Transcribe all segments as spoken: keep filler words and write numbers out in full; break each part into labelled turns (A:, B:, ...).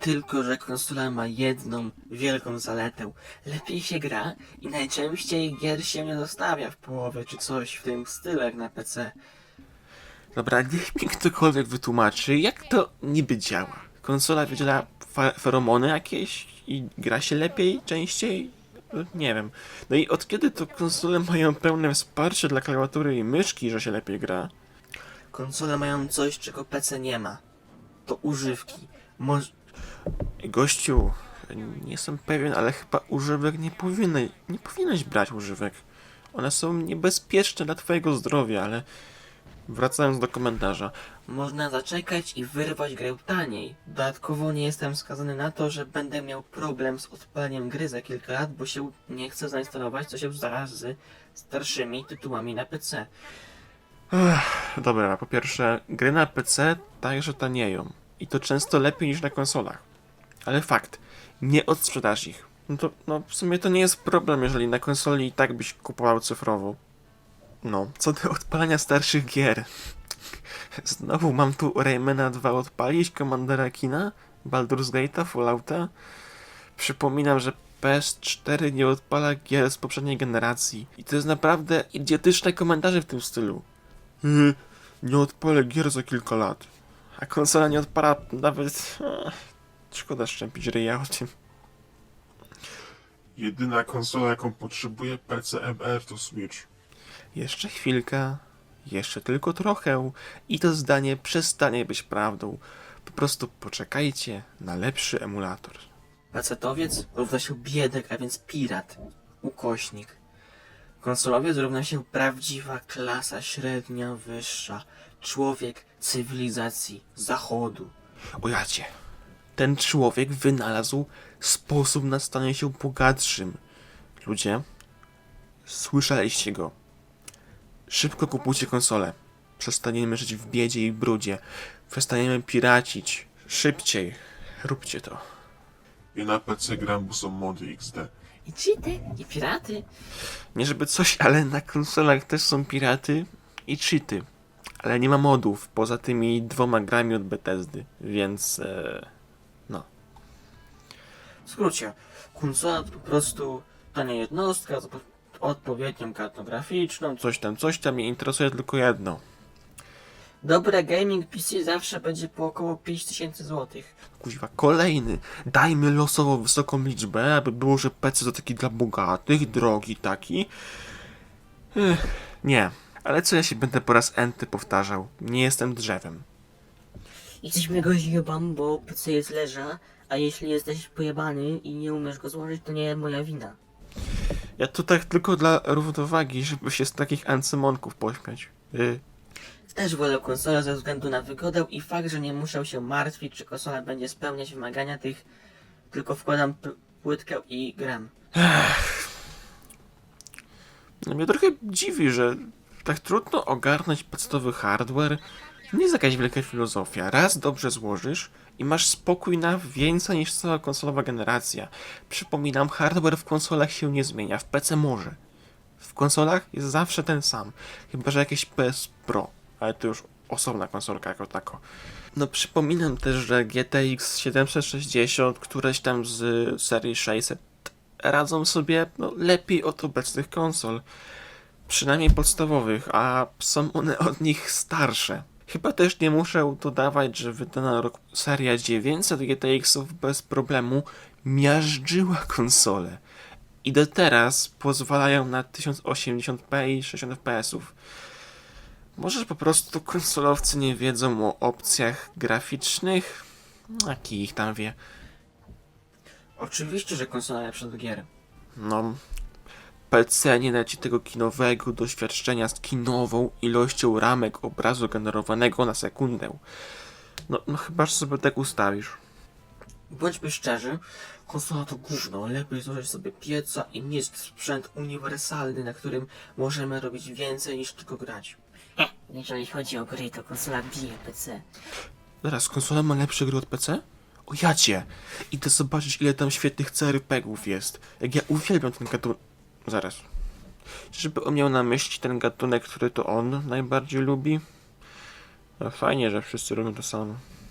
A: Tylko że konsola ma jedną wielką zaletę. Lepiej się gra i najczęściej gier się nie zostawia w połowie czy coś w tym stylu jak na P C.
B: Dobra, niech mi ktokolwiek wytłumaczy, jak to niby działa. Konsola wydziela fa- feromony jakieś i gra się lepiej, częściej? No, nie wiem. No i od kiedy to konsole mają pełne wsparcie dla klawiatury i myszki, że się lepiej gra?
A: Konsole mają coś, czego P C nie ma. To używki. Moż...
B: Gościu, nie jestem pewien, ale chyba używek nie powinny, nie powinieneś brać używek. One są niebezpieczne dla twojego zdrowia, ale wracając do komentarza.
A: Można zaczekać i wyrwać grę taniej. Dodatkowo nie jestem skazany na to, że będę miał problem z odpaleniem gry za kilka lat, bo się nie chcę zainstalować, co się zdarza z starszymi tytułami na P C.
B: Ech, dobra, po pierwsze, gry na P C także tanieją. I to często lepiej niż na konsolach. Ale fakt, nie odsprzedasz ich. No to, no w sumie to nie jest problem, jeżeli na konsoli i tak byś kupował cyfrowo. No, co do odpalania starszych gier. Znowu mam tu Raymana dwa odpalić, Commandera Kina, Baldur's Gate'a, Fallouta. Przypominam, że P S cztery nie odpala gier z poprzedniej generacji. I to jest naprawdę idiotyczne komentarze w tym stylu. Yy, nie odpalę gier za kilka lat. A konsola nie odpala nawet... Ech, szkoda szczępić ryja o tym.
C: Jedyna konsola, jaką potrzebuje P C M R to Switch.
B: Jeszcze chwilka, jeszcze tylko trochę i to zdanie przestanie być prawdą. Po prostu poczekajcie na lepszy emulator.
A: Pecetowiec równa się biedek, a więc pirat. Ukośnik. Konsolowiec równa się prawdziwa klasa średnia, wyższa. Człowiek cywilizacji zachodu.
B: O jacie, ten człowiek wynalazł sposób na stanie się bogatszym. Ludzie, słyszeliście go. Szybko kupujcie konsolę. Przestaniemy żyć w biedzie i brudzie. Przestaniemy piracić. Szybciej. Róbcie to.
C: I na P C gram, bo są mody X D.
A: I cheaty, i piraty.
B: Nie żeby coś, ale na konsolach też są piraty i cheaty. Ale nie ma modów, poza tymi dwoma grami od Bethesdy, więc... E, no.
A: W skrócie, konsola to po prostu tania jednostka z odpo- odpowiednią kartą graficzną.
B: Coś tam, coś tam, mnie interesuje tylko jedno.
A: Dobre gaming P C zawsze będzie po około pięć tysięcy złotych.
B: Kuźwa, kolejny. Dajmy losowo wysoką liczbę, aby było, że P C to taki dla bogatych, drogi taki. Ech, nie. Ale co ja się będę po raz enty powtarzał? Nie jestem drzewem.
D: Jesteśmy go zjebam, bo P C jest leża, a jeśli jesteś pojebany i nie umiesz go złożyć, to nie moja wina.
B: Ja tu tak tylko dla równowagi, żeby się z takich ancymonków pośmiać. Y,
A: Też wolę konsolę ze względu na wygodę i fakt, że nie muszę się martwić, czy konsola będzie spełniać wymagania tych, tylko wkładam p- płytkę i gram.
B: no mnie trochę dziwi, że tak trudno ogarnąć podstawowy hardware. Nie jest jakaś wielka filozofia. Raz dobrze złożysz i masz spokój na więcej niż cała konsolowa generacja. Przypominam, hardware w konsolach się nie zmienia, w P C może. W konsolach jest zawsze ten sam, chyba że jakieś P S Pro, ale to już osobna konsolka jako tako. No przypominam też, że G T X siedemset sześćdziesiąt, któreś tam z serii sześćset radzą sobie no, lepiej od obecnych konsol. Przynajmniej podstawowych, a są one od nich starsze. Chyba też nie muszę dodawać, że wydana rok seria dziewięćset G T X-ów bez problemu miażdżyła konsolę. I do teraz pozwalają na tysiąc osiemdziesiąt p i sześćdziesiąt F P S-ów. Może po prostu konsolowcy nie wiedzą o opcjach graficznych? A kij ich tam wie.
A: Oczywiście, że konsola lepsza do gier.
B: No, P C nie da ci tego kinowego doświadczenia z kinową ilością ramek obrazu generowanego na sekundę. No, no chyba, że sobie tak ustawisz.
A: Bądźmy szczerzy, konsola to gówno. Lepiej złożyć sobie pieca i mieć sprzęt uniwersalny, na którym możemy robić więcej niż tylko grać.
D: E, jeżeli chodzi o gry, to konsola bije P C.
B: Zaraz, konsola ma lepsze gry od P C? O jacie! Idę zobaczyć, ile tam świetnych C R P gów jest. Jak ja uwielbiam ten gatunek... Zaraz. Żeby on miał na myśli ten gatunek, który to on najbardziej lubi? No fajnie, że wszyscy robią to samo.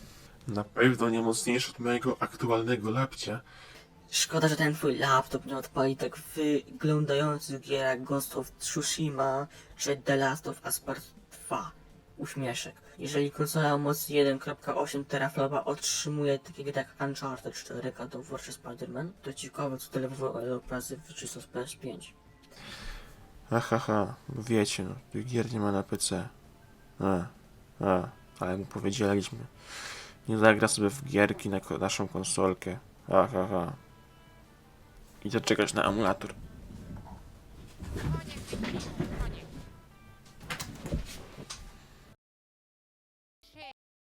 C: Na pewno nie mocniejszy od mojego aktualnego lapcia.
D: Szkoda, że ten twój laptop nie odpali tak wyglądających gier jak Ghost of Tsushima czy The Last of Us Part dwa. Uśmieszek. Jeżeli konsola o mocy jeden przecinek osiem teraflopa otrzymuje takie gry jak Uncharted cztery, God of War czy Spider-Man, to ciekawe co tyle razy wyczysto z P S pięć.
B: Aha, ha, wiecie, no, tych gier nie ma na P C. A, a, ale mu powiedzieliśmy. Nie zagra sobie w gierki na ko- naszą konsolkę. Aha, ha. I to czekasz na emulator.